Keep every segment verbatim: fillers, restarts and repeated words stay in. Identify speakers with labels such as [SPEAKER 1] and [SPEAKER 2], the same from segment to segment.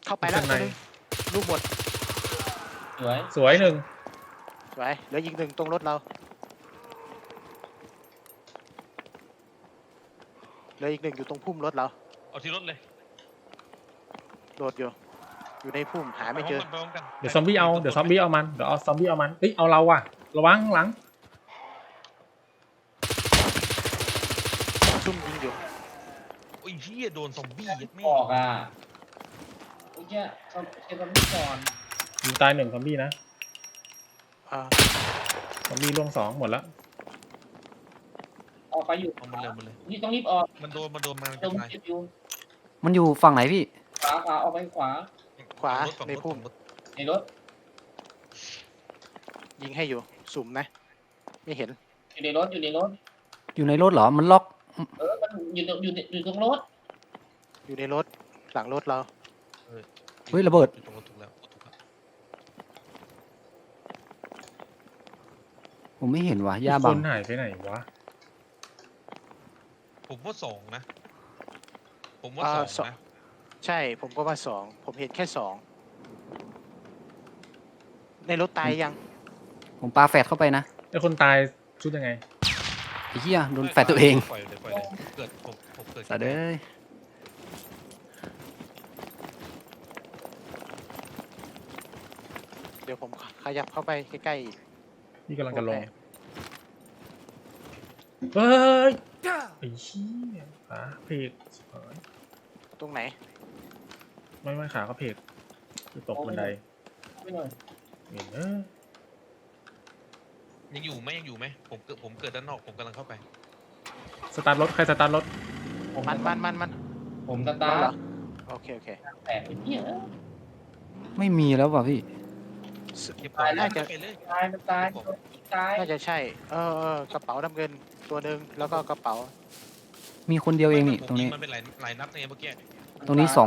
[SPEAKER 1] เข้าไปแล้วตัวนึงลูกหมด
[SPEAKER 2] สวย
[SPEAKER 3] สวยหนึ่ง
[SPEAKER 1] สวยเหลือยิงหนึ่งตรงรถเราเหลืออีกหนึ่งอยู่ตรงพุ่มรถเรา
[SPEAKER 4] เอาที่รถเลย
[SPEAKER 1] โดดอยู่อยู่ในพุ่มหาไม่เจอ
[SPEAKER 3] เดี๋ยวซอมบี้เอาเดี๋ยวซอมบี้เอามันเดี๋ยวเอาซอมบี้เอามันเอ้ยเอาเราว่ะระวังหลัง
[SPEAKER 1] ซุ่มยิงอยู่
[SPEAKER 4] โอ้ยพี่โดนซอมบี้ยัดแม่
[SPEAKER 2] ออกอ่ะโอ้ยเนี่ยเขาเช็คกันไม่ก่อน
[SPEAKER 3] ยิงตายหนึ่งซอมบี้นะ
[SPEAKER 1] อ่า
[SPEAKER 3] ซอมบี้ล่วงสองหมดแล้ว
[SPEAKER 2] ออกไปอยู่
[SPEAKER 4] เอามันเร็วมันเลย
[SPEAKER 2] นี่ต้องรีบออก
[SPEAKER 4] มันโดนมันโดนมัน
[SPEAKER 2] ตร
[SPEAKER 4] จะ
[SPEAKER 2] ง
[SPEAKER 4] ตาย
[SPEAKER 2] เจ็บอยู่
[SPEAKER 5] มันอยู่ฝั่งไหนพี่
[SPEAKER 2] ขวาขวาออกไปขวา
[SPEAKER 1] ขวา
[SPEAKER 4] ฝั่ง
[SPEAKER 1] ใน
[SPEAKER 4] รถ
[SPEAKER 1] พุ่ม
[SPEAKER 4] ฝั่งรถ
[SPEAKER 2] ในรถ
[SPEAKER 1] ยิงให้อยู่สุ่มนะไม่เห็น
[SPEAKER 2] อยู่ในรถอยู่ในรถ
[SPEAKER 5] อยู่ในรถเหรอมันล็อก
[SPEAKER 2] เออมันอยู่ตรงอยู่ในอยู่ตรงรถ
[SPEAKER 1] อยู่ในรถหลังรถเรา
[SPEAKER 5] เฮ้ยระเบิด
[SPEAKER 4] อยู่ตรงรถถูกแล้วถูกแล้ว
[SPEAKER 5] ผมไม่เห็นว่ะย่า
[SPEAKER 3] ค
[SPEAKER 5] บัง
[SPEAKER 3] นหายไปไหนวะ
[SPEAKER 4] ผมว่าสองนะ ผมว่าสองนะ
[SPEAKER 1] ใช่ผมก็ว่าสองผมเห็นแค่สองในรถตายยัง
[SPEAKER 5] ผมปาแฟดเข้าไปนะ
[SPEAKER 3] ไอ้คนตายชุดยังไง
[SPEAKER 5] ไอ้เหี้ยโดนแฟดตัวเอง
[SPEAKER 4] ปล่อยเลยปล่อยเลยเกิดผมผมเกิด
[SPEAKER 5] สัตว์เอ้ย
[SPEAKER 1] เดี๋ยวผมขยับเข้าไปใกล้ๆอีก
[SPEAKER 3] นี่กำลังจะลงเฮ้ยไอ้เหี้ยขาเพก
[SPEAKER 1] ตรงไหน
[SPEAKER 3] ไม่ไม่ขาเขาเพกคือตกบันได
[SPEAKER 2] ไม่หน่อย
[SPEAKER 3] เห็นเออ
[SPEAKER 4] ยังอยู่ไหมยังอยู่ไหมผมเกิดผมเกิดด้านนอกผมกำลังเข้าไป
[SPEAKER 3] สตาร์ทรถใครสตาร์ทรถ
[SPEAKER 2] ผม
[SPEAKER 1] มันมันมันมัน
[SPEAKER 2] ผมตาตา
[SPEAKER 1] เหรอโอเคโอเค
[SPEAKER 2] แตกไอ้เนี่ย
[SPEAKER 5] ไม่มีแล้วว่ะพี่
[SPEAKER 4] เก็บของน่าจะไปเลย
[SPEAKER 2] ตายมันตายตาย
[SPEAKER 1] น่าจะใช่ เออเออกระเป๋าน้ำเงินตัวหนึ่งแล้วก็กระเป๋า
[SPEAKER 5] มีคนเดียวเองนี่
[SPEAKER 4] ผม
[SPEAKER 5] ตรงนี้
[SPEAKER 4] ยิมันเป็นหลายหลายนัดไงเมื่อกี้
[SPEAKER 5] ตรงนี้สอง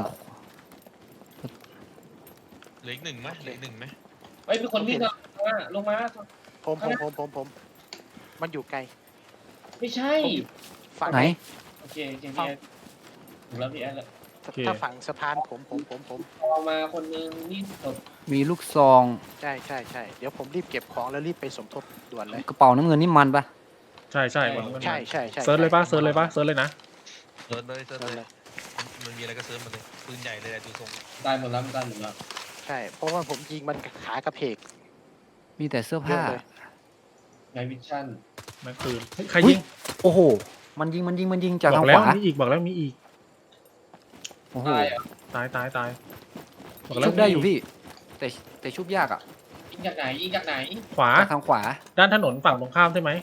[SPEAKER 4] เหลืออีกหนึ่งไหมเหลืออีกหนึ่งไหม
[SPEAKER 2] เฮ้ยมีคนวิ่งลงมาลงมา
[SPEAKER 1] ผมผมผมผมผมมันอยู่ไกล
[SPEAKER 2] ไม่ใช่
[SPEAKER 1] ฝั่ง
[SPEAKER 5] ไหน
[SPEAKER 2] โอเคโอเคพี่แอนถูกแล้วพี่แอนแล้ว
[SPEAKER 1] ถ้าฝั่งสะพานผมผมผมผม
[SPEAKER 2] ออกมาคนนึงนี่ตก
[SPEAKER 5] มีลูกซอง
[SPEAKER 1] ใช่ใช่ใช่เดี๋ยวผมรีบเก็บของแล้วรีบไปสมทบด่วนเลย
[SPEAKER 5] กระเป๋าน้ำเงินนี่มันปะ
[SPEAKER 3] ใช่ใช่มันมัน
[SPEAKER 1] ใช่ใช่ใช่
[SPEAKER 3] เซิร์ชเลยปะเซิร์ชเลยปะเซิร์ชเลยนะ
[SPEAKER 4] เซิร์ชเลยเซิร์ช
[SPEAKER 1] เออ
[SPEAKER 4] เล
[SPEAKER 1] เลย ย
[SPEAKER 4] มันมีอะไรก็เซิร์ชมาเลยปืนใหญ่เลยอะดูทรง
[SPEAKER 2] ตายหมดแล้วมันตายหมดแล้ว
[SPEAKER 1] ใช่เพราะว่าผมยิงมันขากระเพก
[SPEAKER 5] มีแต่เสื้อ
[SPEAKER 1] เย
[SPEAKER 5] ผ้า
[SPEAKER 1] อะเลย
[SPEAKER 2] ไนวิชั่น
[SPEAKER 3] แม็กปืนเฮ้ยใคร
[SPEAKER 5] อุ๊
[SPEAKER 3] ยิ
[SPEAKER 5] ย
[SPEAKER 3] ง
[SPEAKER 5] โอ้โห มันยิงมันยิงมันยิงจาก
[SPEAKER 3] บอ
[SPEAKER 5] ทาง
[SPEAKER 3] กแล้
[SPEAKER 5] ข
[SPEAKER 3] ว
[SPEAKER 5] วา
[SPEAKER 3] มีอีกบอกแล้วมีอีก
[SPEAKER 5] โอ้โห
[SPEAKER 2] ตายอ่ะ
[SPEAKER 3] ตายตายตายบอกแล้ว
[SPEAKER 5] ชุบได้
[SPEAKER 3] มี
[SPEAKER 5] อยู่พี่ แต่แต่ชุบยากอ่ะ
[SPEAKER 2] ยิงจากไหนยิงจากไหน
[SPEAKER 3] ขวา
[SPEAKER 5] จากทางขวา
[SPEAKER 3] ด้านถนนฝั่งตรงข้ามใช่ไหม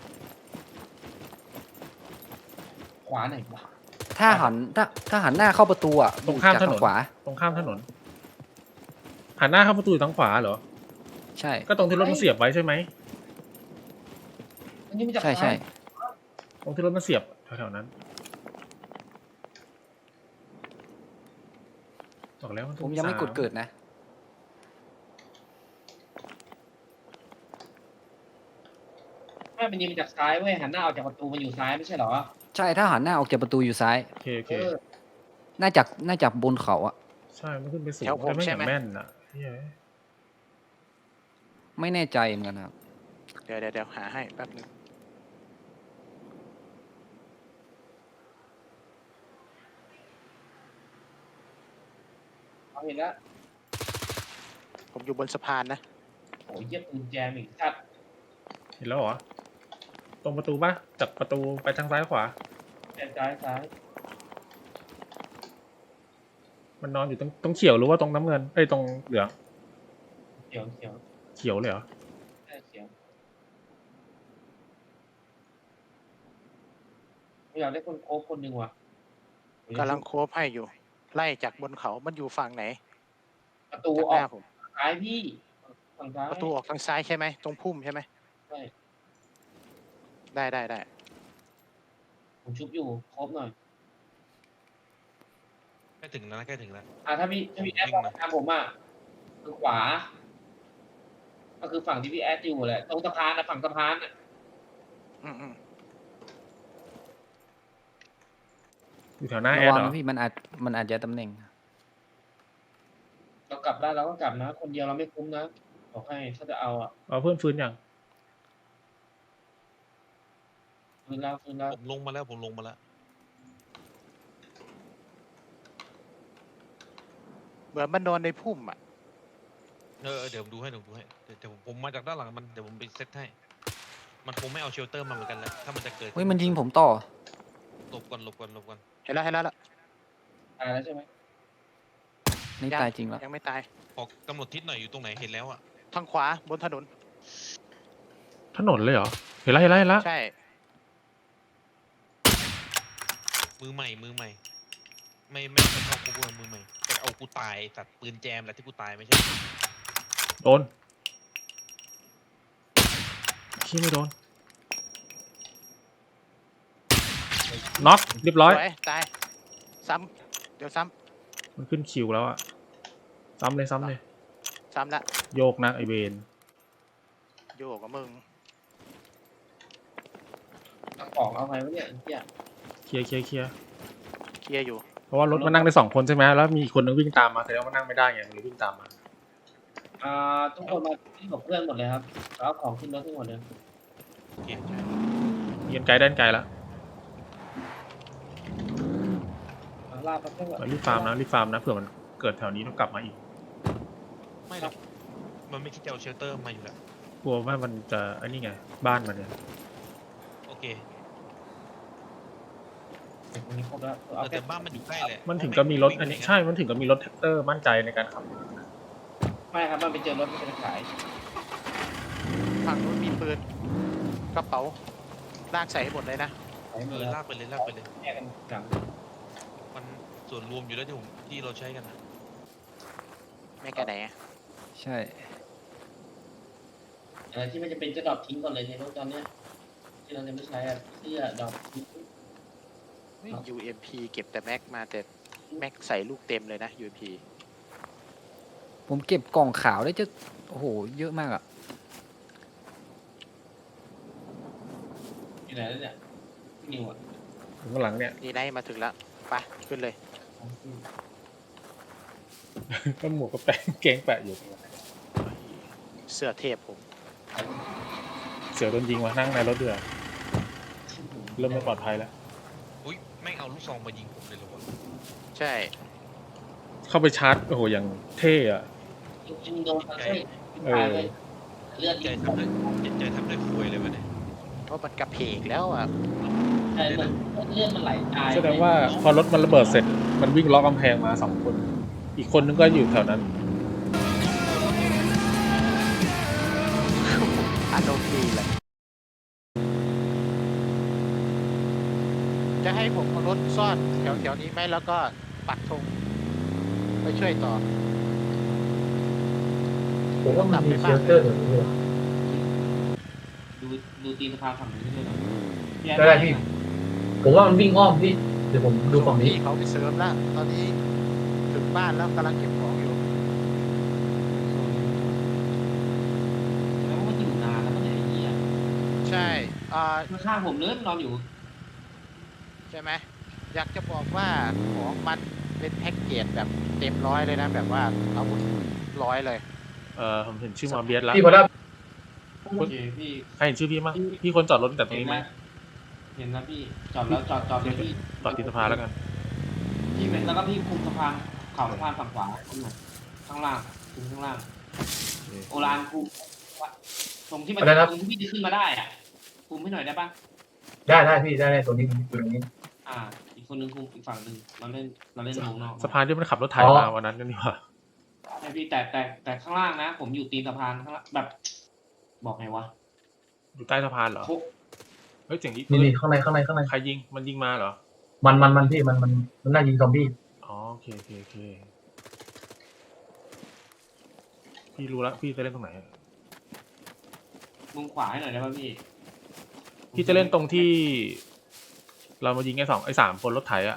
[SPEAKER 2] ขวาไหนวะ
[SPEAKER 5] ถ้าหันถ้าถ้าหันหน้าเข้าประตูอ่ะ
[SPEAKER 3] ตรงข้าม
[SPEAKER 5] จาก
[SPEAKER 3] ถ
[SPEAKER 5] ทาน ง
[SPEAKER 3] น
[SPEAKER 5] ขวา
[SPEAKER 3] ตรงข้ามถนนหันหน้าเข้าประตูอยู่ทางขวาเหรอ
[SPEAKER 5] ใช่
[SPEAKER 3] ก็ตรงที่รถมันเสียบไว้ใช่ไหม
[SPEAKER 2] มันยิงมาจาก
[SPEAKER 5] ใช่ใช่
[SPEAKER 3] ตรงที่รถมันเสียบแถวๆนั้นบอกแล้วน
[SPEAKER 5] ผมยังไม่กดเกิดนะ
[SPEAKER 2] ไม่มันยิงมาจากซ้ายเว้ยหันหน้าออกจากประตูมันอยู่ซ้ายไม่ใช่เหรอ
[SPEAKER 5] ใช่ถ้าหันหน้าออกจากประตูอยู่ซ้าย
[SPEAKER 3] โอเคโอเค
[SPEAKER 2] เออ
[SPEAKER 5] น่าจากน่าจากบนเขาอ่ะ
[SPEAKER 3] ใช่มันขึ้นไปสูง
[SPEAKER 1] แถวผม
[SPEAKER 3] แต่ไม่
[SPEAKER 1] ใช่
[SPEAKER 3] เห็น
[SPEAKER 1] ไหม
[SPEAKER 3] แม่นอ่ะเฮ้ย
[SPEAKER 5] ไม่แน่ใจเหมือนกันครับ
[SPEAKER 1] เดี๋ยวเดี๋ยวเดี๋ยวหาให้แป๊บนึง
[SPEAKER 2] เอาเห็นแล้ว
[SPEAKER 1] ผมอยู่บนสะพานนะ
[SPEAKER 2] โอ้ยเยี่ยปืนแจมอีกชัด
[SPEAKER 3] เห็นแล้วเหรอตรงประตูปะจากประตูไปทางซ้ายขวา
[SPEAKER 2] แจมซ้ายซ้าย
[SPEAKER 3] มันนอนอยู่ตรงตรงเขียวหรือว่าตรงน้ำเงินเอ้ยตรงเหลือง
[SPEAKER 2] เขียวเขียว
[SPEAKER 3] เขียวเลยเหรอ
[SPEAKER 2] ใช่เขียวอยากได้คนโค้ชคนหนึ่งว่ะ
[SPEAKER 1] กำลังโคบให้อยู่ ไล่จากบนเขามันอยู่ฝั่งไหน
[SPEAKER 2] ประตู
[SPEAKER 1] จาก
[SPEAKER 2] อ
[SPEAKER 1] ห
[SPEAKER 2] อ
[SPEAKER 1] น้าก ผม
[SPEAKER 2] ซ้ายพี่ฝั่งซ้าย
[SPEAKER 1] ประตูออกทางซ้ายใช่ไหมตรงพุ่มใช่ไหม
[SPEAKER 2] ใช่
[SPEAKER 1] ได้ได้ได้
[SPEAKER 2] ผมชุบอยู่ครบหน่อย
[SPEAKER 4] ใกล้ถึงแล้วนะใกล้ถึงแล้ว
[SPEAKER 2] อ่ะถ้าพี่ถ้าพี่แอดบอกตามผมอ่ะคือขวา ก็คือฝั่งที่พี่แอดอยู่แหละตรงสะพานนะฝั่งสะพานอ่ะ
[SPEAKER 1] อืมอืม
[SPEAKER 3] อยู่แถวหน้าแอ
[SPEAKER 5] ระ
[SPEAKER 3] ด
[SPEAKER 5] วัง
[SPEAKER 3] เหรอ
[SPEAKER 5] นะพี่มันอาจมันอาจจะตำแหน่ง
[SPEAKER 2] กลับได้เราก็กลับนะ คนเดียวเราไม่คุ้มนะบอกให้ถ้าจะเอาอ่ะ
[SPEAKER 3] เอาเพื่อนฟื้นยัง
[SPEAKER 2] ฟื้นแล้วฟื้นแล้ว
[SPEAKER 4] ผมลงมาแล้วผมลงมาแล้ว
[SPEAKER 1] เหมือนมันนอนในพุ่มอ่ะ
[SPEAKER 4] เออเออเดี๋ยวผมดูให้เดี๋ยวผมดูให้เดี๋ยวเดี๋ยวผมผมมาจากด้านหลังมันเดี๋ยวผมไปเซตให้มันคงไม่เอาเชลเตอร์มาเหมือนกันแหละถ้ามันจะเกิด
[SPEAKER 5] เฮ้ยมันยิงผมต่อ
[SPEAKER 4] หลบก่อนหลบก่อนหลบก่อน
[SPEAKER 1] เห็นแล้วเห็นแล้วละ
[SPEAKER 2] ตายแล้วใช่ไหม
[SPEAKER 5] นี่ตายจริงแล้ว
[SPEAKER 1] ยังไม่ตาย
[SPEAKER 4] ขอกำหนดทิศหน่อยอยู่ตรงไหนเห็นแล้วอ่ะ
[SPEAKER 1] ทางขวาบนถนน
[SPEAKER 3] ถนนเลยเหรอ เห็นแล้วเห็นแล้วเห็นแล้ว
[SPEAKER 1] ใช่
[SPEAKER 4] มือใหม่มือใหม่ ไม่ไม่ไม่เข้าคูเวอร์มือใหม่แต่เอากูตายสัตว์ปืนแจมแหละที่กูตายไม่ใช่
[SPEAKER 3] โดนขี้ไม่โดนน็อกเรียบร้อย
[SPEAKER 1] สวยตายซ้ำเดี๋ยวซ้
[SPEAKER 3] มันขึ้นคิวแล้วอะซ้ำเลยซ้ำเลย
[SPEAKER 1] ำซ้ำละ
[SPEAKER 3] โยกนะไอเวน
[SPEAKER 1] โยกกับมึง
[SPEAKER 2] เอาของเอาไงวะเนี่ยเฮีย
[SPEAKER 3] เคลียร์เคลียร์เคลียร์
[SPEAKER 1] เคลียร์อยู่
[SPEAKER 3] เพราะว่ารถมันนั่งได้สองคนใช่ไหมแล้วมีอีกคนนึงวิ่งตามมาแต่ว่ามันนั่งไม่ได้ไงมันเลยวิ่งตามมา
[SPEAKER 2] อ่าทุกคนมาที่กับเพื่อนหมดเลยครับเอาของขึ้นรถทั้งหมดเลย
[SPEAKER 4] โอเค
[SPEAKER 3] เยียนไกลด้านไกลแล้ว
[SPEAKER 2] เอาลาบไปเพื่อนก่อน
[SPEAKER 3] รีบฟาร์มนะรีบฟาร์มนะเผื่อมันเกิดแถวนี้ต้องกลับมาอีก
[SPEAKER 4] ไม่หรอกมันไม่คิดจะเอาเชลเตอร์มาอยู่แล้ว
[SPEAKER 3] กลัวว่ามันจะไอ้นี่ไงบ้านมันเนี่ย
[SPEAKER 4] โอเค
[SPEAKER 2] ตรงนี้ครบแล้ว
[SPEAKER 4] เอ
[SPEAKER 2] เอา
[SPEAKER 4] อ
[SPEAKER 2] แค่
[SPEAKER 4] แต่บ้านมันอยู่ใกล้แหละ
[SPEAKER 3] มันถึงก็มีรถอันนี้ใช่มันถึงก็มีรถแท็กเตอร์มั่นใจในการขับ
[SPEAKER 2] ไม่ครับมันไปเจอรถมันจะขาย
[SPEAKER 1] ฝั่งนู้นมีปืนกระเป๋าลากใส่ให้หมดเลยนะ
[SPEAKER 2] ขายหม
[SPEAKER 4] เอ
[SPEAKER 2] ด
[SPEAKER 4] อ
[SPEAKER 2] แล้ว
[SPEAKER 4] ลากไปเลยลากไปเลย
[SPEAKER 2] แยกกันหลัง
[SPEAKER 4] มันส่วนรวมอยู่แล้วที่ผมที่เราใช้กันนะ
[SPEAKER 1] ไม่กระไหนอะ
[SPEAKER 5] ใช่
[SPEAKER 2] อะไรที่มันจะเป็นจะดรอปทิ้งก่อนเลยในรถตอนเนี้ยที่เราจะไม่ใช้อะเสื้อดรอปทิ้ง
[SPEAKER 1] ยู เอ็ม พี เก็บแต่แม็กมาแต่แม็กใส่ลูกเต็มเลยนะ ยู เอ็ม พี
[SPEAKER 5] ผมเก็บกล่องขาวได้จะโอ้โหเยอะมากอ่ะ
[SPEAKER 2] อยู่ไหนแล้วเนี่ยพี่นิวอ่ะ
[SPEAKER 3] ถึงข้างหลังเนี่ย
[SPEAKER 1] นี่ไนท์มาถึงแล้วไปขึ้นเลย
[SPEAKER 3] ก็หมวกก็แปะเกงแปะอยู่
[SPEAKER 1] เสื้อเทพผม
[SPEAKER 3] เสือโดนยิงมานั่งในรถเดือดเริ่มไม่ปลอดภัยแล้ว
[SPEAKER 4] อุ้ยแม่งเอาลูกซองมายิงผมเลยเหรอวะ
[SPEAKER 1] ใช่
[SPEAKER 3] เข้าไปชาร์จโอ้โหอย่างเท่อะ
[SPEAKER 2] จริงๆโดนเขาใช่ตายเลยเลือด
[SPEAKER 4] ใจ
[SPEAKER 2] ยิง
[SPEAKER 4] ทำได้ใจทำได้คุยเลยวะเนี่ย
[SPEAKER 1] เพราะมันกระเพกแล้วอ่ะ
[SPEAKER 2] ใช่เหมือนเลือดมันไหลตาย
[SPEAKER 3] แสดงว่าพอรถมันระเบิดเสร็จมันวิ่งล้อกกำแพงมาสองคน อีกคนนึงก็อยู่แถวนั้น
[SPEAKER 1] อารมณ์ดีเลยจะให้ผมเอารถซ่อนแถวแถวๆนี้ไหมแล้วก็ปักธงไปช่วยต่อ
[SPEAKER 6] ผมว่ามันมีเชลเตอร์แบบนี้ด้วย
[SPEAKER 2] ดูดูตีนสะพานฝั่งนี้ด้วยเหรอ
[SPEAKER 6] ได้ได้พี่ ผมว่ามันวิ่งอ้อมพี่ เดี๋ยวผมดูฝั่งนี้
[SPEAKER 1] พี่เขาไปเสริมแล้ว ตอนนี้ถึงบ้านแล้วกำลังเก็บของอยู่
[SPEAKER 2] แล้วมันอยู่นานแล้วมันไหนไอ้เหี้ย
[SPEAKER 1] ใช่อ่า
[SPEAKER 2] ข้างๆผมเลยมันนอนอยู่
[SPEAKER 1] ใช่ไหมอยากจะบอกว่าของมันเป็นแพ็กเกจแบบเต็มร้อยเลยนะ แบบว่าอาวุธร้อยเลย
[SPEAKER 3] เออผมเห็นชื่อมาเบียสแล้ว
[SPEAKER 6] พี่พอได้
[SPEAKER 2] โอเคพี่
[SPEAKER 3] ใครเห็นชื่อพี่มั้งพี่คนจอดรถแต่ตรงนี้ไหม
[SPEAKER 2] เห็นแล้วพี่จอดแล้วจอดจอดเลยพี่
[SPEAKER 3] จอดที่สะพานแล้วกัน
[SPEAKER 2] พี่เป็นแล้วก็พี่คุมสะพานข่าวสะพานฝั่งขวาข้างล่างคุมข้างล่าง โอรานคุมตรงที่มันตรงที่พี่จะขึ้นมาได้อ่ะคุมให้หน่อยได้ปะ
[SPEAKER 6] ได้ได้พี่ได้ได้ตัวนี้ตัวนี้
[SPEAKER 2] อ่า อีกคนนึงคุมอีกฝั่งหนึ่งเราเล่นเราเล่นวงนอก
[SPEAKER 3] สะพานที่มันขับรถไถมาวันนั้นกันนี่หว่า
[SPEAKER 2] ใช่พี่แต่แต่แต่ข้างล่างนะ ผมอยู่ตีนสะพานข้างล่างแบบ บอกไงวะ
[SPEAKER 3] อยู่ใต้สะพานเหรอ
[SPEAKER 2] โค
[SPEAKER 3] เฮ้ยเสียงนี้
[SPEAKER 6] นี่นี่ข้างในข้างในข้างใน
[SPEAKER 3] ใครยิงมันยิงมาเหรอ
[SPEAKER 6] มันมันมันพี่มันมันมันน่ายิงซอมบี้
[SPEAKER 3] อ๋อโอเคโอเคโอเคพี่รู้แล้วพี่จะเล่นตรงไหน
[SPEAKER 2] มุมขวาให้หน่อยได้ป่ะพี่
[SPEAKER 3] พี่จะเล่นตรงที่ เรามายิงไอ้สองไอ้สามคนรถไถอะ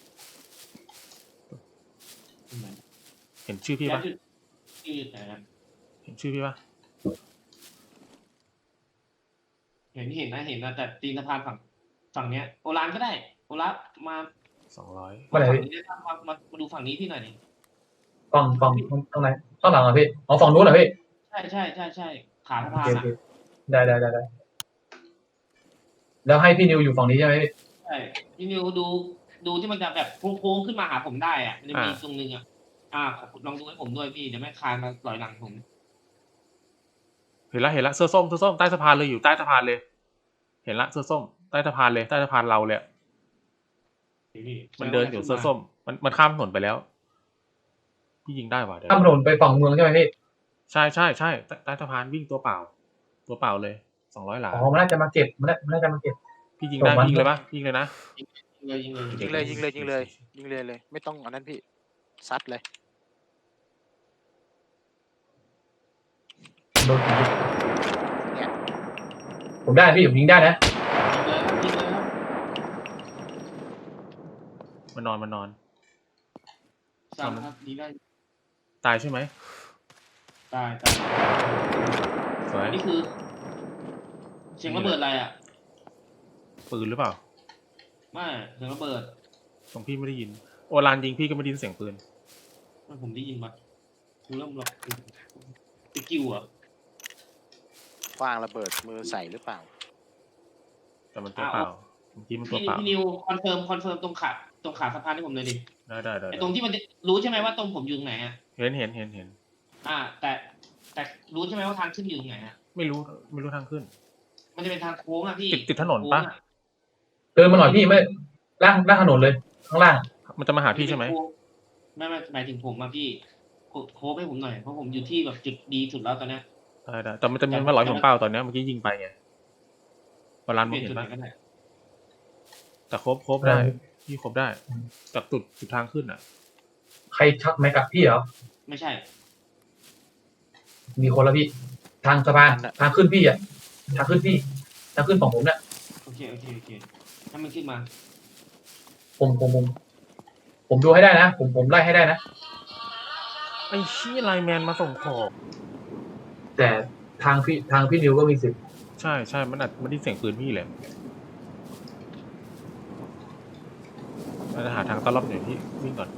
[SPEAKER 3] เห็นชื่อพี่ปะ
[SPEAKER 2] ชื่อไหนครับ
[SPEAKER 3] เห็นชื่อพี่ปะ
[SPEAKER 2] เห็นเห็นนะเห็นนะแต่ตีนสะพานฝั่งฝั่งเนี้ยโอรานก็ได้โอรานมา
[SPEAKER 3] สองร้อย
[SPEAKER 6] เมื่อไหร่
[SPEAKER 2] ฝั่ง
[SPEAKER 6] พี่
[SPEAKER 2] นี้ได้ปะมามามาดูฝั่งนี้พี่หน่อยดิ
[SPEAKER 6] เอฝั่งฝั่งตรงไหนข้างหลังเหรอพี่อ๋อฝั่งนู้นเหรอพี่
[SPEAKER 2] ใช่ใช่ใช่ใช่ขาสะ
[SPEAKER 6] โอ
[SPEAKER 2] พา
[SPEAKER 6] เคน โอ
[SPEAKER 2] อ่ะ
[SPEAKER 6] เคได้ได้ได้ได้แล้วให้พี่นิวอยู่ฝั่งนี้ใช่ไหมพี่
[SPEAKER 2] ใช่พี่นิวดูดูที่มันจะแบบโค้งๆขึ้นมาหาผมได้อ่ะมันจะมีตรงนึงอ่ะอ่าลองดูให้ผมด้วยพี่เดี๋ยวไม่คานมาลอยหลังผม
[SPEAKER 3] เห็นละเห็นละเสื้อส้มเสื้อส้มใต้สะพานเลยอยู่ใต้สะพานเลย เห็นละเสื้อส้มใต้สะพานเลยใต้สะพานเราเลยมันเดินอยู่เสื้อส้มมันมันข้ามถนนไปแล้วพี่ยิงได้ว่ะเดี๋ยว
[SPEAKER 6] ข้ามถนนไปฝั่งเมืองใช่ไหมพี่
[SPEAKER 3] ใช่ใช่ใช่ใต้ใต้สะพานวิ่งตัวเปล่า ตัวเปล่าเลยสองร้อยหลา
[SPEAKER 6] อ๋อมันน่าจะมาเก็บมันน่ามันน่าจะมาเก็บ
[SPEAKER 3] พี่ยิงได้
[SPEAKER 6] ส่งมัน
[SPEAKER 3] ยิงเลยปะยิงเลยนะ
[SPEAKER 2] ยิงเลยยิงเลย
[SPEAKER 1] ยิงเลยยิงเลยยิงเลยยิงเลยเลย ไม่ต้องอันนั้นพี่ซัดเลย
[SPEAKER 6] โดนผมได้พี่ผมยิงได้นะ
[SPEAKER 2] ยิงเลยครับยิงเลยครับ
[SPEAKER 3] มันนอนมันนอน
[SPEAKER 2] สั่งครับยิงได้
[SPEAKER 3] ตายใช่ไหม
[SPEAKER 2] ตายตาย
[SPEAKER 3] สวย
[SPEAKER 2] นี่คือเสียงระเบิดอะไรอ่ะ
[SPEAKER 3] ปืนหรือเปล่า
[SPEAKER 2] ไม่เสียงระเบิด
[SPEAKER 3] ตรงพี่ไม่ได้ยินโอรานยิงพี่ก็ไม่ได้ยินเสียงปืน
[SPEAKER 2] ไม่ผมได้ยินมาดูเริ่มหลอกสกิลอ่ะ
[SPEAKER 1] คว้างระเบิดมือใส่หรือเปล่า
[SPEAKER 3] แต่มันตัวเปล่าเมื่อกี้มันตัว
[SPEAKER 2] พี่
[SPEAKER 3] เปล่า
[SPEAKER 2] พี่นิวคอนเฟิร์มคอนเฟิร์มตรงขาตรงขาสะพานให้ผมเลยดิ
[SPEAKER 3] ได้ได้ได้
[SPEAKER 2] ไอตรงที่มันจะรู้ใช่ไหมว่าตรงผมอยู่ตรงไหนอ่ะ
[SPEAKER 3] เห็นเห็นเห็นเห็น
[SPEAKER 2] อ่า แต่แต่รู้ใช่ไหมว่าทางขึ้นอยู่ตรงไหนอ่ะ
[SPEAKER 3] ไม่รู้ไม่รู้ทางขึ้น
[SPEAKER 2] มันจะเป็นทางโค้งอ่ะพี่
[SPEAKER 3] ติดติดถนนปะ
[SPEAKER 2] โค้งอ
[SPEAKER 6] เดินมาหน่อยพี่ไม่ล่างล่างถนนเลยข้างล่าง
[SPEAKER 3] มันจะมาหาพี่ใช่ไหม
[SPEAKER 2] ไม่ไม่หมายถึงผมอะพี่โค้ชให้ผมหน่อยเพราะผมอยู่ที่แบบจุดดีสุดแล้วตอนเนี้ย
[SPEAKER 3] ได้ได้แต่มันจะมีมาหลอยผมเปล่าตอนเนี้ยเมื่อกี้ยิงไปไงโอราน
[SPEAKER 2] เป
[SPEAKER 3] มอ
[SPEAKER 2] ลี่
[SPEAKER 3] ง
[SPEAKER 2] ยน
[SPEAKER 3] เห็
[SPEAKER 2] จุด
[SPEAKER 3] น
[SPEAKER 2] ไหน
[SPEAKER 3] ปะ
[SPEAKER 2] ก็ได้
[SPEAKER 3] แต่ครบครบได้พี่ครบได้จากจุดจุดทางขึ้นอ่ะ
[SPEAKER 6] ใครชักแม็กกับพี่เหรอ
[SPEAKER 2] ไม่ใช่
[SPEAKER 6] มีคนละพี่ ทางสะพานทางขึ้นพี่อ่ะทางขึ้นพี่ทางขึ้นของผมเนี่ย
[SPEAKER 2] โอเคโอเคโอเคถ้ามันขึ้นมา
[SPEAKER 6] ผมผมผมผมดูให้ได้นะ ผมผมไล่ให้ได้นะ
[SPEAKER 3] ไอ้ชี้ไลน์แมนมาส่งของ
[SPEAKER 6] แต่ทางพี่ทางพี่นิวก็มีสิทธิ์
[SPEAKER 3] ใช่ใช่มันอาจมันได้เสียงปืนพี่แหละเราจะหาทางต้อนรับหน่อยพี่วิ่งก่อน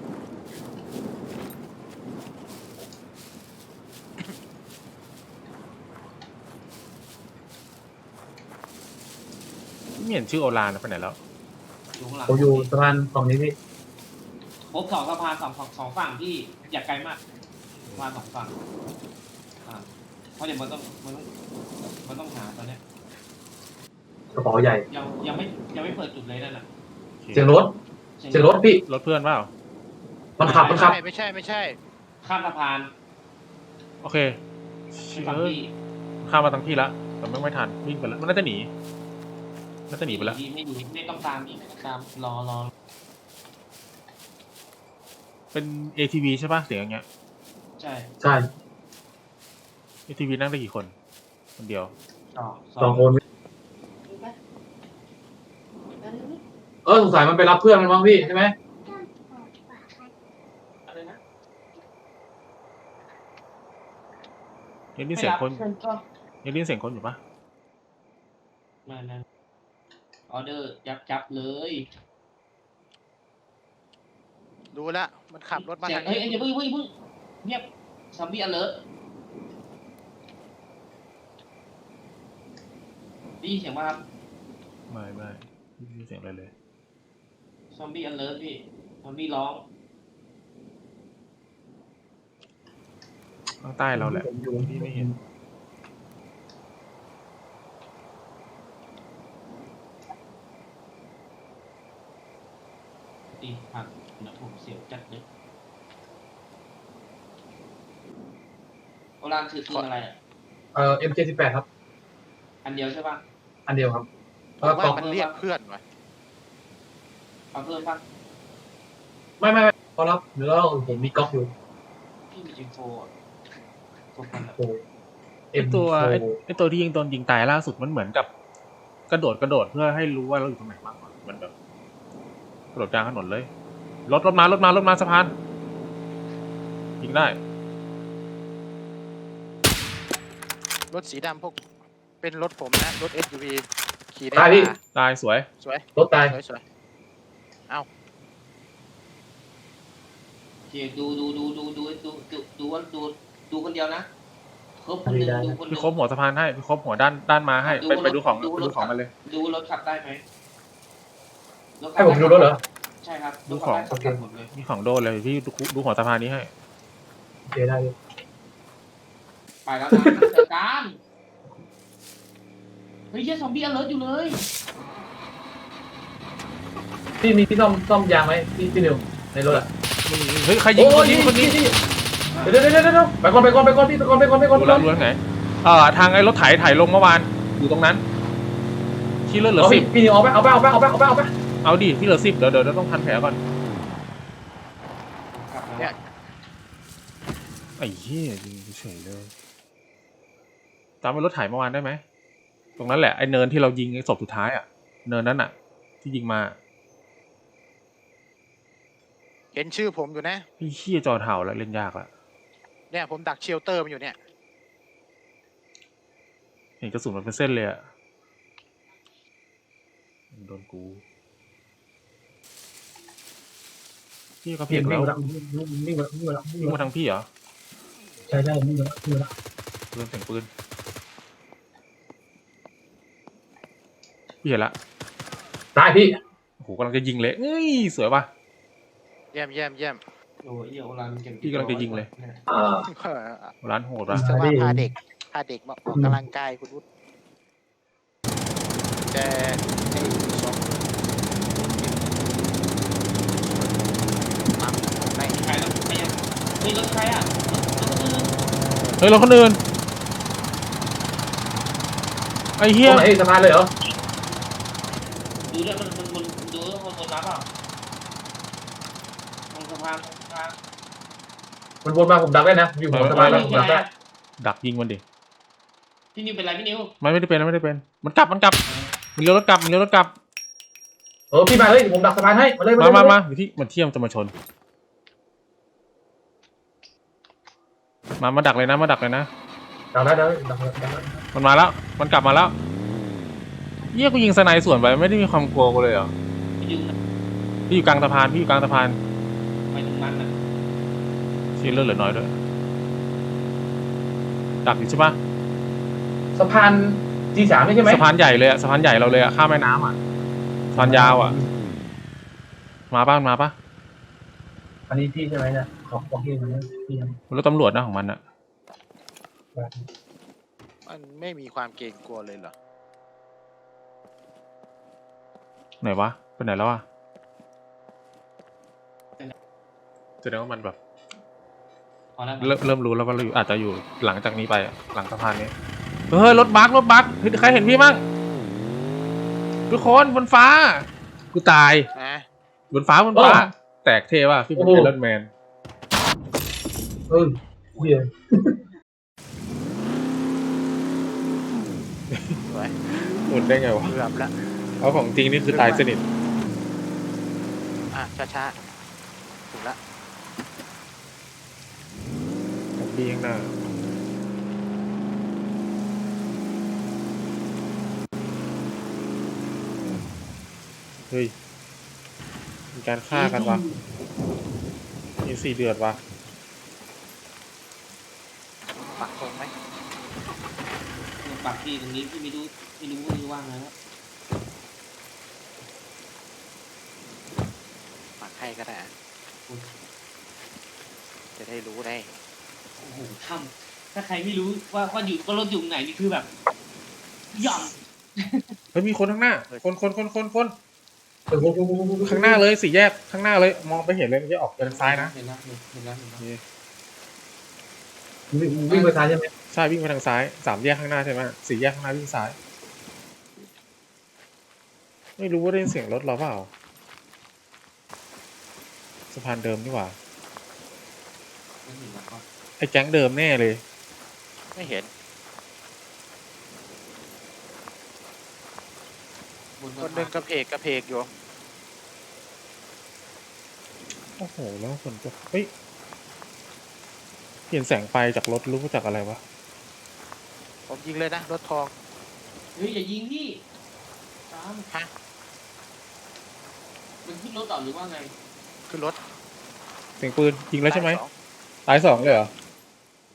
[SPEAKER 3] ไม่เห็นชื่อโอรานนะไปไหนแล้ว
[SPEAKER 2] อยู่ข้างหลัง
[SPEAKER 6] ผมอยู่สะพานฝั่งนี้พี่
[SPEAKER 2] ครบสองสะพานสองสองสองฝั่งที่อย่าไกลมากสะพานสองฝั่งอ่าเพราะเดี๋ยวมันต้องมันต้องมันต้องหาตอนเนี้ย
[SPEAKER 6] กระเป๋าใหญ่
[SPEAKER 2] ยังยังไม่ยังไม่เปิดจุดเลยนั่นน่ะ
[SPEAKER 6] เสียงรถเสียงรถพี่
[SPEAKER 3] รถเพื่อนเปล่า
[SPEAKER 6] มันขับมันขับ
[SPEAKER 1] ไม่ไม่ใช่ไม่ใช่
[SPEAKER 2] ข้ามสะพาน
[SPEAKER 3] โอเค
[SPEAKER 2] ไปฝั่ง
[SPEAKER 3] เออ
[SPEAKER 2] ที่
[SPEAKER 3] ข้ามมาทั้งที่ละแต่ไม่ไม่ทันวิ่งไปแล้วมันน่าจะหนีน่าจะหนีไปแล้ว
[SPEAKER 2] ไม่ไม่หนีไม่ต้องตามพี่ไม่ต้องตามรอรอ
[SPEAKER 3] เป็น เอ ที วี ใช่ป่ะเสียงอย่างเงี้ย
[SPEAKER 2] ใช่
[SPEAKER 6] ใช่
[SPEAKER 3] เอ ที วี นั่งได้กี่คนคนเดียว
[SPEAKER 2] ต่อ
[SPEAKER 6] สองคนเออสงสัยมันไปรับเพื่อนมันบ้างพี่ใช่ไหม
[SPEAKER 2] อะไรนะ
[SPEAKER 3] ยังได้ยินเสียงคน
[SPEAKER 2] ไม่รับก็
[SPEAKER 3] ยังได้ยินเสียงคนอยู่ปะ
[SPEAKER 2] มานะออเดอร์ยับยับเลย
[SPEAKER 1] ดูละมันขับรถมา
[SPEAKER 2] เสีย
[SPEAKER 1] ทาง ง
[SPEAKER 2] เฮ้ย
[SPEAKER 1] นี้
[SPEAKER 2] เฮ้ยอย่าเพิ่งเพิ่งเพิ่งเงียบซอมบี้อเลิร์ได้ยินเสียงว่าครับ
[SPEAKER 3] ไม่ไม่ไม่ได้ยินเสียงอะไรเลย
[SPEAKER 2] ซอมบี้อเลิร์พี่ซอมบี้ร้อง
[SPEAKER 3] ข้างใต้เราแหละ
[SPEAKER 6] ผมอยู่
[SPEAKER 3] พี่ไม่เห็น
[SPEAKER 2] ตีผักนะผมเสียวจัดเลยโอรานถือปืนอะไรอ่ะ
[SPEAKER 6] เอ่อ เอ็ม เจ็ดสิบแปด ครับ
[SPEAKER 2] อันเดียวใช่ป่ะ
[SPEAKER 6] อันเดียวครับ
[SPEAKER 1] ผ
[SPEAKER 6] เออ
[SPEAKER 1] ม
[SPEAKER 6] กล่
[SPEAKER 1] ว่า
[SPEAKER 6] อง
[SPEAKER 1] มันเรียกเพื่อนว่ะ
[SPEAKER 2] เอาเพิ่มป่ะ
[SPEAKER 6] ไม่ไม่ไม่พอรับเดี๋ยวเราผมมีก๊อกอยู่
[SPEAKER 2] พี่มีอินโฟอ่ะโฟกันอะ
[SPEAKER 6] โอ้
[SPEAKER 3] ไอตัวไอไอตัวที่ยิงตนยิงตายล่าสุดมันเหมือนกับ กระโดดกระโดดเพื่อให้รู้ว่าเราอยู่ตรงไหนบ้างวะมันแบบกระโดดกลางถนนเลยรถรถมารถมารถมาสะพานยิงได้
[SPEAKER 1] รถสีดำพวกเป็นรถผมนะรถ เอส ยู วี ขี่ได้
[SPEAKER 6] ตายพี่
[SPEAKER 1] มา
[SPEAKER 3] ตายสวย
[SPEAKER 1] สวย
[SPEAKER 6] รถตาย
[SPEAKER 1] สวยสวย
[SPEAKER 2] โอเคดูดูดูดูดูดูว่าดูดูคนเดียวนะครบคนหนึ่งดูคนหนึ่
[SPEAKER 3] พี่
[SPEAKER 2] ง
[SPEAKER 3] ครบหัวสะพานให้พี่ครบหัวด้านด้านมาให้ไปไปดูของไปดูของมันเลย
[SPEAKER 2] ดูรถขับได้ไหมรถขั
[SPEAKER 6] ให้
[SPEAKER 2] บ
[SPEAKER 6] ผมดูรถเหรอ
[SPEAKER 2] ใช่ครับ
[SPEAKER 3] ดูของ
[SPEAKER 2] รถขับได้ขับหมดเลย
[SPEAKER 3] มีของโดนเลยพี่ดูดูหัวสะพานนี้ให้
[SPEAKER 6] โอเคได้เลย
[SPEAKER 2] ไปแล้วนะเจอกันเฮ้ยเชี่ยซอมบี้อเลิร์อยู่เลย
[SPEAKER 6] พี่มีพี่ซ่อมซ่อมยางไหมพี่พี่นิวในรถอ่ะ
[SPEAKER 3] เฮ้ยใครยิงคนนี้คนนี้
[SPEAKER 6] เดี๋ยวเดี๋ยวเดี๋ยวเดี๋ยวไปก่อนไปก่อนไปก่อนพี่ไปก่อนไปก่อนไปก่อน
[SPEAKER 3] ดูแล้วดูแล้วไหนเอ่อทางไอ้รถไถไถลงเมื่อวานอยู่ตรงนั้นที่เลือดเหลือ
[SPEAKER 6] เอา
[SPEAKER 3] สิ
[SPEAKER 6] พี่
[SPEAKER 3] บ
[SPEAKER 6] พี่นิวเอาไปเอาไปเอาไปเอาไปเอาไปเอาไป
[SPEAKER 3] เอาดิที่เหลือสิบเดี๋ยวเดี๋ยวต้องพันแผลก่อน
[SPEAKER 2] ขับมา
[SPEAKER 1] เนี่ย
[SPEAKER 3] ไอ้เหี้ยยิงเฉยเลยจำเป็นรถไถเมื่อวานได้ไหมตรงนั้นแหละไอ้เนินที่เรายิงไอ้ศพสุดท้ายอ่ะเนินนั้นอ่ะ ที่ยิงมา
[SPEAKER 1] เห็นชื่อผมอยู่นะ
[SPEAKER 3] พี่เหี้ยจอเถ่าแล้วเล่นยากละ
[SPEAKER 1] เนี่ยผมดักเชลเตอร์มันอยู่เนี่ย
[SPEAKER 3] เห็นกระสุนมันเป็นเส้นเลยอ่ะโดนกูพี่ก็
[SPEAKER 6] พี่
[SPEAKER 3] เพียง
[SPEAKER 6] วิ่
[SPEAKER 3] แล้
[SPEAKER 6] ง
[SPEAKER 3] ว
[SPEAKER 6] มาแล้ววิ่งมาวิ่งมาแล้ววิ่ง
[SPEAKER 3] ยิง
[SPEAKER 6] มา
[SPEAKER 3] มาทางพี่เหรอ
[SPEAKER 6] ใช่ใช่วิ่งมาแล้ววิ่งมาแล้ว
[SPEAKER 3] ปืนเสียงปืนพี่เห็นละ
[SPEAKER 6] ตายพี่
[SPEAKER 3] โอ้โหกำลังจะยิงเลยเอ้ยสวยป่ะ
[SPEAKER 1] เยี่ยมเยี่ยมเยี่ยม
[SPEAKER 2] โอ้ยเหี้ยโอรันเก่ง
[SPEAKER 3] พี่กำลังจะยิงเลย
[SPEAKER 6] อ่า
[SPEAKER 3] ร้านโหดว่ะ
[SPEAKER 1] จะว่าพาเด็กพาเด็กมาออกกำลังกายคุณวุฒิแต่ไอ้สองปั๊มใน
[SPEAKER 2] ใครรถใครอ่ะเฮ้ยรถใครอ่ะรถรถ
[SPEAKER 3] เฮ้ยรถคนอื่นไอ้
[SPEAKER 6] ต
[SPEAKER 3] เหี้ย
[SPEAKER 6] รงไหนสะพานเลยเหรอ
[SPEAKER 2] ดูด้วยมันมันมันดูด้วยคนบนรับเปล่าตรงสะพานตรงสะพาน
[SPEAKER 6] มันวนมาผมดักได้นะอยู่หัวสะพานแล้วผมดักได้
[SPEAKER 3] ดักยิงมันดิ
[SPEAKER 2] พี่นิวเป็นไรพี่นิว
[SPEAKER 3] มันไม่ได้เป็นมันไม่ได้เป็นมันกลับมันกลับมันเลี้ยวรถกลับมันเลี้ยวรถกลับ
[SPEAKER 6] เออพี่มาเลยผมดักสะพานให้มาเลย
[SPEAKER 3] มามามาอยู่ที่มันเที่ยมจะมาชนมามาดักเลยนะมาดักเลยนะ
[SPEAKER 6] ดักได้ดักได้ดักได้
[SPEAKER 3] มันมาแล้วมันกลับมาแล้วเยี่ยกูยิงสไนด์สวนไปไม่ได้มีความกลัวกูเลยเหรอ
[SPEAKER 2] พี่นิว
[SPEAKER 3] พี่อยู่กลางสะพานพี่อยู่กลางสะพาน
[SPEAKER 2] ไปตรงนั้นน่ะ
[SPEAKER 3] ชีเลือดเหลือน้อยด้วยดักอยู่ใช่ปะ
[SPEAKER 6] สะพานจีสามนี่ใช่ไหม
[SPEAKER 3] สะพานใหญ่เลยอะสะพานใหญ่เราเลยอะข้ามแม่น้ำอะสะพานยาวอะมาป้ามาป้า
[SPEAKER 6] อันนี้พี่ใช่ไหมเนี่ยของของพี่นะพี่ยัง
[SPEAKER 3] รถตำรวจนะของมันอะ
[SPEAKER 1] มันไม่มีความเกรงกลัวเลยเหรอ
[SPEAKER 3] ไหนวะไปไหนแล้วอะแสดงว่ามันแบบ
[SPEAKER 2] พอแล้ว
[SPEAKER 3] เริ่มเริ่มรู้แล้วว่าเราอยู่อาจจะอยู่หลังจากนี้ไปอะหลังสะพานนี้เฮ้ยรถบัสรถบัสเฮ้ยใครเห็นพี่มั่งทุกคนบนฟ้ากูตาย
[SPEAKER 1] นะ
[SPEAKER 3] บนฟ้าบนฟ้า แตกเทว่ะพี่เป็นไอรอนแมน
[SPEAKER 6] เออเฮีย
[SPEAKER 1] สวย
[SPEAKER 3] หมุนได้ไงวะ
[SPEAKER 1] เกือบละ
[SPEAKER 3] เอาของจริงนี่คือตายสนิท
[SPEAKER 1] อ่ะช้าช้าๆถึงละ
[SPEAKER 3] ของพี่ข้างหน้าเฮ้ยมีการฆ่ากันวะมีสี่เดือดวะ
[SPEAKER 1] ปักตรงไหม
[SPEAKER 2] ปักพี่ตรงนี้พี่ไม่รู้ไม่รู้ว่าว่างไงแล้ว
[SPEAKER 1] ปักให้ก็ได้อะจะได้รู้ได้
[SPEAKER 2] โอ้โหถ้ำถ้าใครไม่รู้ว่าว่าอยู่ก็รถอยู่ไหนนี่คือแบบหย่อน
[SPEAKER 3] เฮ้ยมีคนข้างหน้า คนคนคนคนคน
[SPEAKER 6] เออ
[SPEAKER 3] ข้างหน้าเลยสี่แยกข้างหน้าเลยมองไปเห็นเลยมันจะออกไปทางซ้ายนะ
[SPEAKER 2] เห็นแล้วเห็นแล้วเห็นแล้ว
[SPEAKER 3] นี่
[SPEAKER 6] วิ่งไปซ้ายใช่ไหม
[SPEAKER 3] ใช่วิ่งไปทางซ้ายสามแยกข้างหน้าใช่ไหมสี่แยกข้างหน้าวิ่งซ้าย ไม่รู้ว่าได้ยินเสียงรถเราเปล่าสะพานเดิมนี่หว่า
[SPEAKER 2] ไม่เห็นแล้วก็
[SPEAKER 3] ไอ้แก๊งเดิมแน่เลย
[SPEAKER 1] ไม่เห็น
[SPEAKER 2] บน
[SPEAKER 1] คนหนึ่งกระเพกกระเพกอยู่
[SPEAKER 3] โอ้โหแล้วฝนตกเฮ้ยเปลี่ยนแสงไฟจากรถรู้ว่าจากอะไรวะ
[SPEAKER 1] ผมยิงเลยนะรถทอง
[SPEAKER 2] เฮ้ยอย่ายิงพี่ตาม
[SPEAKER 1] ฮะ
[SPEAKER 2] มันขึ้นรถต่อหรือว่าไง
[SPEAKER 1] ขึ้นรถ
[SPEAKER 3] เสียงปืนยิงแล้วใช่ไหม
[SPEAKER 1] สอง
[SPEAKER 3] ตายสองเลยเหรอ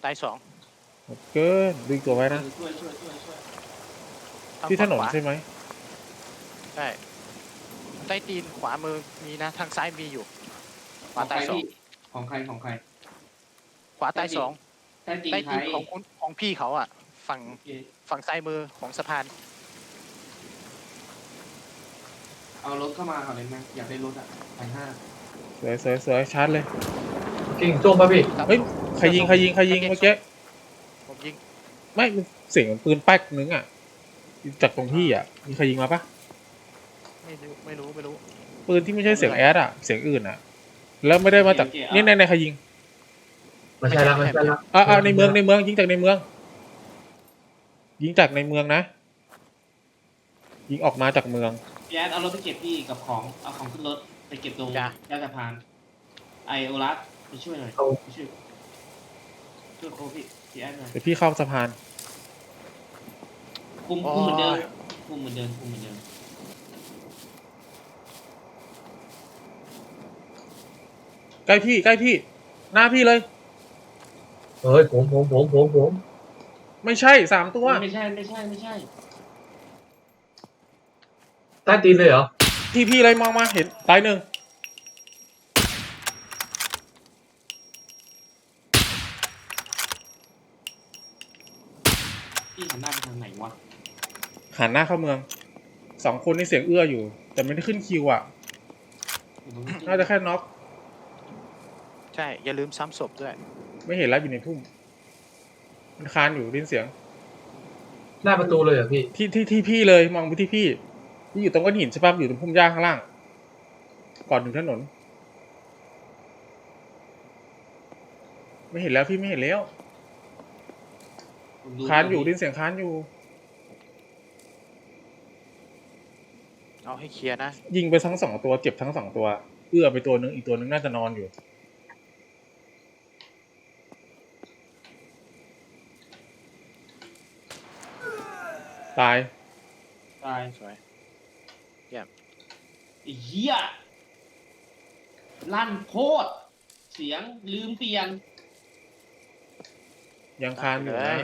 [SPEAKER 1] ตายสอง
[SPEAKER 3] เกินดึงตัวไว้นะ
[SPEAKER 2] ช่วยช่วยช่วยช่วย
[SPEAKER 1] ทาง
[SPEAKER 3] ที่ถนน
[SPEAKER 1] ฝั่งขวา
[SPEAKER 3] ใช่ไหม
[SPEAKER 1] ใช่ใต้ตีนขวามือมีนะทางซ้ายมีอยู่ข
[SPEAKER 2] ข
[SPEAKER 1] วา
[SPEAKER 2] องใคร
[SPEAKER 1] ตายสอง
[SPEAKER 2] พี่ของใครของใคร
[SPEAKER 1] ขวาตายสอง
[SPEAKER 2] ใต้ตีน
[SPEAKER 1] ใต้
[SPEAKER 2] ใคร
[SPEAKER 1] ตีนของคุณของพี่เขาอ่ะ ฝั่ง
[SPEAKER 2] โอเค
[SPEAKER 1] ฝั่งซ้ายมือของสะพาน
[SPEAKER 2] เอารถเข้ามาก่อนเลยไหมอยากได้รถอ่ะไปห้า
[SPEAKER 3] สวยสวยสวยชาร์จเลย
[SPEAKER 6] จริงส้มป่ะพี่
[SPEAKER 3] เฮ้ยใครยิงใครยิงใครยิงเมื่อกี้
[SPEAKER 1] ผมยิง
[SPEAKER 3] ไม่มันเสียงเหมือนปืนแป๊กนึงอ่ะจากตรงพี่อ่ะมีใครยิงมาปะ
[SPEAKER 1] ไม่รู้ไม่รู้ไม่รู้
[SPEAKER 3] ปืนที่ไม่ใช่เสียงแอดอ่ะเสียงอื่นอ่ะแล้วไม่ได้มาจากนี่ในในใครยิง
[SPEAKER 6] ไม่ใช่ละไม่ใช่ละ
[SPEAKER 3] อ่าอ่าในเมืองในเมืองยิงจากในเมือง ยิงจากในเมืองนะ ยิงออกมาจากเมือง
[SPEAKER 2] พี่แอดเอารถไปเก็บพี่กับของเอาของขึ้นรถไปเก็บตรง
[SPEAKER 1] จ้ะ
[SPEAKER 2] ใต้สะพานไอโอรัสไปช่วยหน่อย
[SPEAKER 6] เอา
[SPEAKER 2] ไปช่วยช่วยโคพี่พี่แอดหน่อย
[SPEAKER 3] เดี๋ยวพี่เข้าสะพาน
[SPEAKER 2] คุมคุมเหมือนเดิมคุมเหมือนเดิมคุมเหมือนเดิม
[SPEAKER 3] ใกล้พี่ใกล้พี่ หน้าพี่เลย
[SPEAKER 6] เฮ้ยผมผมผมผมผม
[SPEAKER 3] ไม่ใช่สามตัว
[SPEAKER 2] ไม่ใช่ไม่ใช่ไม่ใช่
[SPEAKER 6] ใต้ตีนเลยเหรอ
[SPEAKER 3] พี่พี่เลยมองมาเห็นตายหนึ่ง
[SPEAKER 2] พี่หันหน้าไปทางไหนวะ
[SPEAKER 3] หันหน้าเข้าเมืองสองคนนี่เสียงเอื้ออยู่ แต่ไม่ได้ขึ้นคิวอ่ะ
[SPEAKER 2] อยู่ตรงนี้
[SPEAKER 3] น่าจะแค่น็อก
[SPEAKER 1] ใช่อย่าลืมซ้ำศพด้วย
[SPEAKER 3] ไม่เห็นแล้วอยู่ในทุ่มมันคานอยู่ได้ยินเสียง
[SPEAKER 6] หน้าประตูเลยเหรอพี่
[SPEAKER 3] ที่ที่ที่พี่เลยมองไปที่พี่พี่อยู่ตรงก้อนหินใช่ปะอยู่ตรงพุ่มหญ้าข้างล่าง ก่อนถึงถนน ไม่เห็นแล้วพี่ไม่เห็นแล้ว
[SPEAKER 2] ผมดู
[SPEAKER 3] คานอยู่ได้ยินเสียงคานอยู่
[SPEAKER 1] เอาให้เคลียร์นะ
[SPEAKER 3] ยิงไปทั้งสองตัวเจ็บทั้งสองตัวเอื้อไปตัวนึงอีกตัวนึงน่าจะนอนอยู่ ตาย
[SPEAKER 2] ตาย
[SPEAKER 1] สวย
[SPEAKER 2] ไอ้เหี้ยลั่นโคตรเสียงลืมเปลี่ยน
[SPEAKER 3] ยังคานอยู่นะ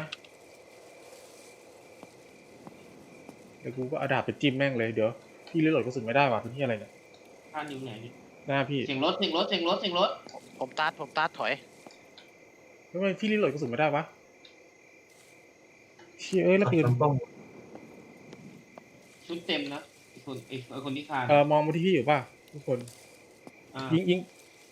[SPEAKER 3] เดี๋ยวกูก็เอาดาบไปจิ้มแม่งเลยเดี๋ยวพี่รีโหลดกระสุนไม่ได้ว่ะเป็นที่อะไรเนี่ย
[SPEAKER 2] ท่านอยู่ไหนนี่
[SPEAKER 3] หน้าพี่
[SPEAKER 2] เสียงรถเสียงรถเสียงรถเสียงรถ
[SPEAKER 1] ผมตัดผมตัดถอย
[SPEAKER 3] ทำไมพี่รีโหลดกระสุนไม่ได้วะเชี่ยเอ้ยแล้วปืน
[SPEAKER 6] ทำป้อง
[SPEAKER 2] ชุดเต็มนะไอ้คนไอ้ไอ้คนที่คาน
[SPEAKER 3] เออมองมาที่พี่อยู่ป่ะทุกคน
[SPEAKER 2] อ่า
[SPEAKER 3] ยิงยิง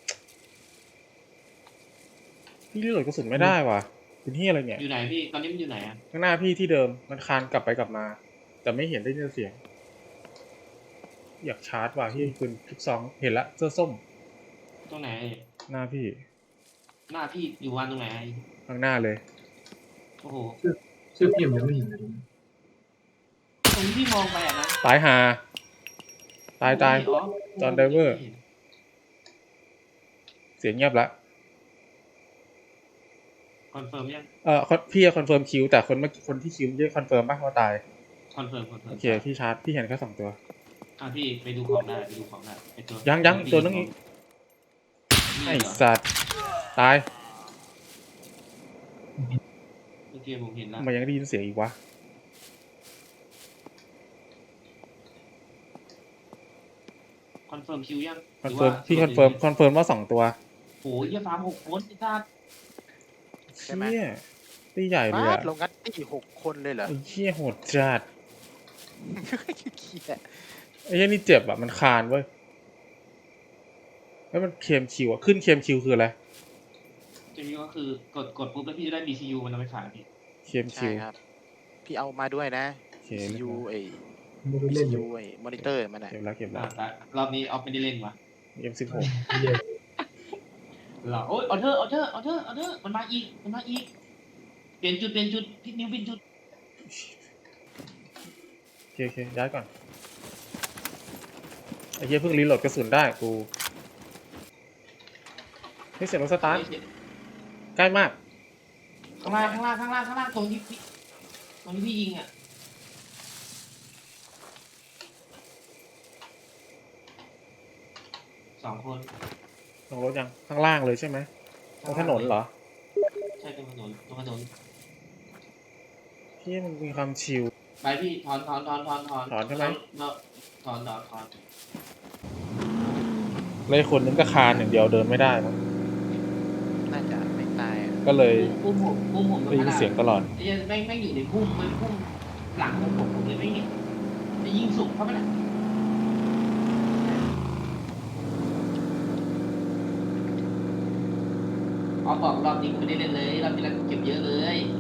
[SPEAKER 3] พี่รีโหลดกระสุนไม่ได้ว่ะเป็นที่อะไรเนี่ย
[SPEAKER 2] อยู่ไหนพี่ตอนนี้มันอยู่ไหนอ่ะ
[SPEAKER 3] ข้างหน้าพี่ที่เดิมมันคานกลับไปกลับมา แต่ไม่เห็นได้ยินเสียง อยากชาร์จว่ะพี่ปืนทุกซองเห็นละเสื้อส้ม
[SPEAKER 2] ตรงไหน
[SPEAKER 3] หน้าพี่
[SPEAKER 2] หน้าพี่อยู่วันตรงไหน
[SPEAKER 3] ข้างหน้าเลย
[SPEAKER 2] โอ้โห
[SPEAKER 6] ชื่อพี่ผมยังไม่เห็นเลย
[SPEAKER 2] ตรงที่พี่มองไปอ่ะนะ
[SPEAKER 3] ตายหา ตายตาย
[SPEAKER 2] อ๋อ
[SPEAKER 3] จอห์นไดเวอร์ เสียงเงียบละ
[SPEAKER 2] คอนเฟิร์มยัง
[SPEAKER 3] เออพี่คอนเฟิร์มคิวแต่คนเมื่อกี้คนที่คิวไม่ได้คอนเฟิร์มป่ะว่าตาย
[SPEAKER 2] คอนเฟิร์มคอนเฟิร์ม
[SPEAKER 3] โอเคพี่ชาร์จพี่เห็นแค่สองตัว
[SPEAKER 2] อ่ะพี่ไปดูของได้ไปดูของได้ไอ้ตัว
[SPEAKER 3] ยังยังตัวนึงอีก
[SPEAKER 2] นี่
[SPEAKER 3] ไอ
[SPEAKER 2] เหรอ
[SPEAKER 3] สัตว์ตาย
[SPEAKER 2] โอเคผมเห็นแล้ว
[SPEAKER 3] ทำไมันยังได้ยินเสียงอีกวะ
[SPEAKER 2] คอนเฟิร์มคิวยัง
[SPEAKER 3] คอนเฟิร์มพี่คอนเฟิร์มคอนเฟิร์มว่าสองตัว
[SPEAKER 2] โอ้ยเหี้ยฟาร์มหกคนไอ้สัส
[SPEAKER 1] ใช่ไหม
[SPEAKER 3] เชี่ยตีใหญ่เลย
[SPEAKER 1] มา
[SPEAKER 3] อะ
[SPEAKER 1] ดลงงัดตีหกคนเลยเหรอ
[SPEAKER 3] ไอ้เชี่ยโหดจัด
[SPEAKER 1] เคลียร์
[SPEAKER 3] ไอ้เหี้ยนี่เจ็บอะมันคานเว้ยแล้วมันเคมคิวอะขึ้นเคมคิวคืออะไร
[SPEAKER 2] จะมีก็คือกดกดปุ๊บแล้วพี่จะได้ บี ซี ยู มันเอาไปขายพี่
[SPEAKER 3] เคม
[SPEAKER 1] ใช่
[SPEAKER 3] คิว
[SPEAKER 1] ครับ พี่เอามาด้วยนะ
[SPEAKER 3] โอเค
[SPEAKER 1] ซี ยู ไอ้
[SPEAKER 6] ไม่ได้
[SPEAKER 1] ซี
[SPEAKER 6] เล่นอ
[SPEAKER 1] ยู
[SPEAKER 6] ยู่
[SPEAKER 1] ไอ้มอนิเตอร์มันอ่ะ
[SPEAKER 3] เก็บแล้วเก็บ
[SPEAKER 2] อ่า
[SPEAKER 3] แล้ว
[SPEAKER 2] แต่รอบนี้เอาไม่ได้เล่นวะ
[SPEAKER 3] เอ็มสิบหก
[SPEAKER 6] ไม่ได้
[SPEAKER 2] เหรอโอ้ยออเดอร์ออเดอร์ออเดอร์ออเดอร์มันมาอีกมันมาอีกเปลี่ยนจุดเปลี่ยนจุดพี่นิวเปลี่ยนจุด
[SPEAKER 3] โอเคโอเคย้ายก่อนไอ้เหี้ยเพิ่งรีโหลดกระสุนได้กูเฮ้ยเสียงรถสตาร์ทใกล้มาก
[SPEAKER 2] ข้างล่างข้างล่างข้างล่างข้างล่างตรงที่พี่ตรงที่พี่ยิงอ่ะสองคน
[SPEAKER 3] ลงรถยังข้างล่างเลยใช่ไหมตรงถนนเหรอ
[SPEAKER 2] ใช่ตรงถนนตรงถนน
[SPEAKER 3] ที่มันมีความชิล
[SPEAKER 2] ไปพี่ถอนถอนถอนถอนถอน
[SPEAKER 3] ถอนใช่ไหม
[SPEAKER 2] เราถอนถอนถอน
[SPEAKER 3] เลยคนนึงก็คานอย่างเดียวเดินไม่ได้มั้ง
[SPEAKER 1] น่าจะไม่ตายอะ
[SPEAKER 3] ก็เลย
[SPEAKER 2] พุ่มผมพุ่มผม
[SPEAKER 3] ได้ยินเสียงตลอด
[SPEAKER 2] ไอ้ยันแม่งแม่งอยู่ในพุ่มมันพุ่มหลังของผมผมเลยไม่เห็นจะยิงสุกเข้าไปละเอาบอกรอบนี้กูไม่ได้เล่นเลยรอบที่แล้วกูเก็บเยอะเลย